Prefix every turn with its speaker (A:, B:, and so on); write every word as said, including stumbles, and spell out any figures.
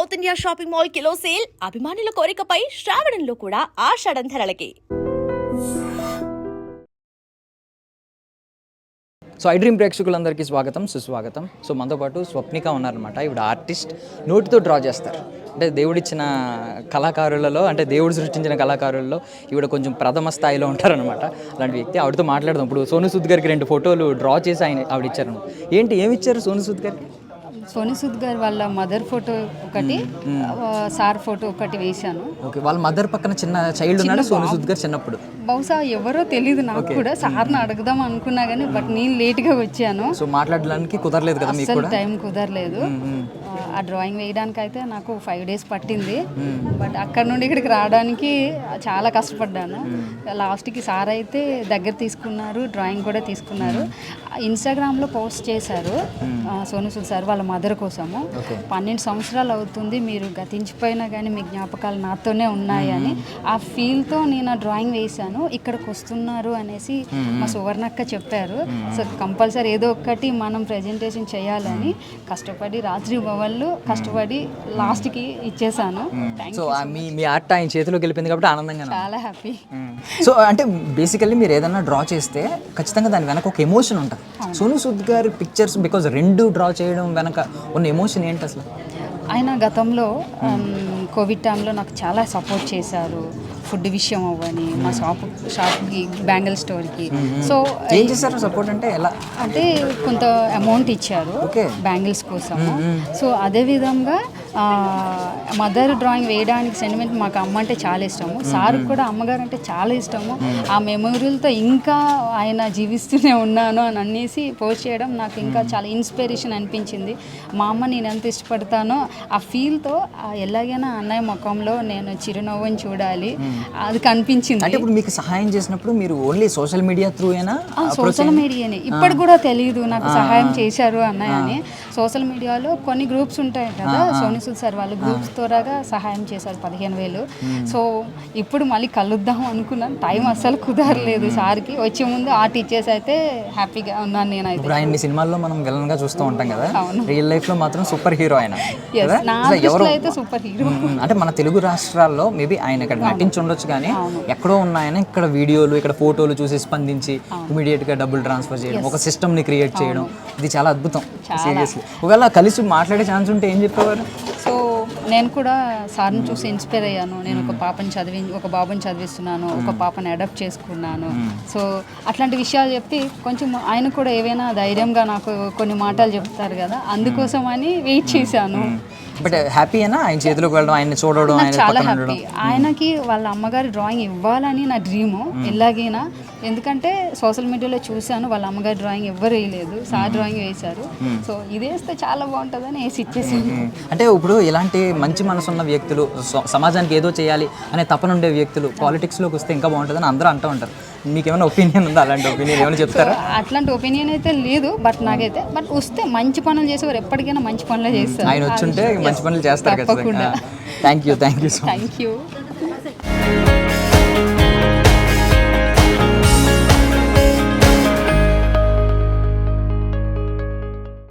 A: South India shopping mall kilo sale అభిమానుల కోరికపై శ్రావణంలో కూడా ఆషాఢం ధరలకి.
B: సో ఐ డ్రీమ్ ప్రేక్షకులందరికీ స్వాగతం సుస్వాగతం. సో మనతో పాటు స్వప్నిక ఉన్నారనమాట. ఈవిడ ఆర్టిస్ట్, నోటితో డ్రా చేస్తారు. అంటే దేవుడిచ్చిన కళాకారులలో, అంటే దేవుడు సృష్టించిన కళాకారులలో ఈవిడ కొంచెం ప్రథమ స్థాయిలో ఉంటారనమాట. అలాంటి వ్యక్తి. ఆవిడతో మాట్లాడదాం. ఇప్పుడు సోను సూద్ గారికి రెండు ఫోటోలు డ్రా చేసి ఆయన ఆవిడ ఇచ్చారు. ఏంటి ఏమి ఇచ్చారు సోను సూద్ గారికి?
C: సోను సూద్ గారు వాళ్ళ మదర్ ఫోటో ఒకటి, సార్ ఫోటో ఒకటి వేశాను.
B: ఓకే, వాళ్ళ మదర్ పక్కన చిన్న చైల్డ్ ఉన్నాడు సోను సూద్ గారు చిన్నప్పుడు.
C: బహుశా ఎవరో తెలియదు నాకు కూడా. సార్ని అడుగుదాం అనుకున్నా కానీ బట్ నేను లేట్గా వచ్చాను.
B: సో మాట్లాడడానికి కుదరలేదు కదా మీకు కూడా?
C: టైం కుదరలేదు. ఆ డ్రాయింగ్ వేయడానికి అయితే నాకు ఫైవ్ డేస్ పట్టింది. బట్ అక్కడ నుండి ఇక్కడికి రావడానికి చాలా కష్టపడ్డాను. లాస్ట్కి సార్ అయితే దగ్గర తీసుకున్నారు, డ్రాయింగ్ కూడా తీసుకున్నారు. ఇన్స్టాగ్రామ్లో పోస్ట్ చేశారు సోను సూద్ సార్ వాళ్ళ మదర్ కోసము. పన్నెండు సంవత్సరాలు అవుతుంది, మీరు గతించిపోయినా కానీ మీ జ్ఞాపకాలు నాతోనే ఉన్నాయి అని. ఆ ఫీల్తో నేను ఆ డ్రాయింగ్ వేశాను. ఇక్కడికి వస్తున్నారు అనేసి మా సువర్ణక్క చెప్పారు. సో కంపల్సరీ ఏదో ఒక్కటి మనం ప్రెజెంటేషన్ చేయాలని కష్టపడి రాత్రి భవన్లు కష్టపడి లాస్ట్కి ఇచ్చేసాను.
B: సో మీ మీ ఆర్ట్ ఆయన చేతిలోకి వెళ్ళిపోయింది కాబట్టి ఆనందంగా
C: చాలా హ్యాపీ.
B: సో అంటే బేసికల్లీ మీరు ఏదైనా డ్రా చేస్తే ఖచ్చితంగా దాని వెనక ఒక ఎమోషన్ ఉంటుంది. సోను సూద్ గారి పిక్చర్స్ బికాజ్ రెండు డ్రా చేయడం వెనక ఉన్న ఎమోషన్ ఏంటి అసలు?
C: ఆయన గతంలో కోవిడ్ టైంలో నాకు చాలా సపోర్ట్ చేశారు. ఫుడ్ విషయం అవ్వని, మా షాప్ షాప్కి బ్యాంగిల్ స్టోర్కి. సో
B: ఏం చేశారు సపోర్ట్ అంటే? ఎలా
C: అంటే కొంత అమౌంట్ ఇచ్చారు బ్యాంగిల్స్ కోసము. సో అదేవిధంగా మదర్ డ్రాయింగ్ వేయడానికి సెంటిమెంట్ మాకు అమ్మ అంటే చాలా ఇష్టము. సార్ కూడా అమ్మగారు అంటే చాలా ఇష్టము. ఆ మెమొరీలతో ఇంకా ఆయన జీవిస్తూనే ఉన్నాను అని అనేసి పోస్ట్ చేయడం నాకు ఇంకా చాలా ఇన్స్పిరేషన్ అనిపించింది. మా అమ్మ నేను ఎంత ఇష్టపడతానో ఆ ఫీల్తో ఎలాగైనా అన్నయ్య ముఖంలో నేను చిరునవ్వుని చూడాలి అది కనిపించింది.
B: అంటే ఇప్పుడు మీకు సహాయం చేసినప్పుడు మీరు ఓన్లీ సోషల్ మీడియా త్రూ అయినా?
C: సోషల్ మీడియానే. ఇప్పుడు కూడా తెలియదు నాకు సహాయం చేశారు అన్నయ్య అని. సోషల్ మీడియాలో కొన్ని గ్రూప్స్ ఉంటాయి కదా, సోను సూద్ సార్ వాళ్ళు గ్రూప్స్ ద్వారాగా సహాయం చేశారు పదిహేను వేలు. సో ఇప్పుడు మళ్ళీ కలుద్దాం అనుకున్నాను, టైం అస్సలు కుదరలేదు. సార్కి వచ్చే ముందు ఆర్ట్ ఇచ్చేసి అయితే హ్యాపీగా ఉన్నాను నేనైతే.
B: ఇప్పుడు ఆయన సినిమాల్లో మనం విలన్ గా చూస్తూ ఉంటాం కదా, రియల్ లైఫ్ లో మాత్రం సూపర్ హీరో ఆయన.
C: అయితే సూపర్ హీరో.
B: అంటే మన తెలుగు రాష్ట్రాల్లో మేబీ ఆయన ఇక్కడ నటించి ఉండొచ్చు కానీ ఎక్కడో ఉన్న ఆయన ఇక్కడ వీడియోలు, ఇక్కడ ఫోటోలు చూసి స్పందించి ఇమీడియట్ గా డబ్బులు ట్రాన్స్ఫర్ చేయడం, ఒక సిస్టమ్ ని క్రియేట్ చేయడం, ఇది చాలా అద్భుతం సీరియస్లీ. ఒకవేళ కలిసి మాట్లాడే ఛాన్స్ ఉంటే ఏం చెప్పేవారు?
C: సో నేను కూడా సార్ని చూసి ఇన్స్పైర్ అయ్యాను. నేను ఒక పాపని చదివి ఒక బాబుని చదివిస్తున్నాను, ఒక పాపని అడాప్ట్ చేసుకున్నాను. సో అట్లాంటి విషయాలు చెప్పి కొంచెం ఆయన కూడా ఏవైనా ధైర్యంగా నాకు కొన్ని మాటలు చెప్తారు కదా, అందుకోసం అని వెయిట్ చేశాను.
B: బట్ హ్యాపీ అయినా ఆయన చేతిలోకి వెళ్ళడం, ఆయన చూడడం
C: చాలా హ్యాపీ. ఆయనకి వాళ్ళ అమ్మగారి డ్రాయింగ్ ఇవ్వాలని నా డ్రీము ఎలాగైనా. ఎందుకంటే సోషల్ మీడియాలో చూశాను వాళ్ళ అమ్మగారి డ్రాయింగ్ ఎవ్వరు వేయలేదు, సార్ డ్రాయింగ్ వేశారు. సో ఇది వేస్తే చాలా బాగుంటుందని వేసి ఇచ్చేసాను.
B: అంటే ఇప్పుడు ఇలాంటి మంచి మనసున్న వ్యక్తులు, సమాజానికి ఏదో చేయాలి అనే తపన ఉండే వ్యక్తులు పాలిటిక్స్లోకి వస్తే ఇంకా బాగుంటుందని అందరూ అంటూ ఉంటారు. మీకు ఏమైనా ఒపీనియన్ ఉందా? అలాంటి ఒపీనియన్ ఏమైనా చెప్తారా?
C: అట్లాంటి ఒపీనియన్ అయితే లేదు, బట్ నాకైతే బట్ వస్తే మంచి పనులు చేసేవారు ఎప్పటికైనా మంచి పనులు చేస్తారు.
B: ఆయన వచ్చుంటే మంచి పనులు చేస్తారు.
C: తప్పకుండా.
B: Thank you thank you so much.
C: Thank you.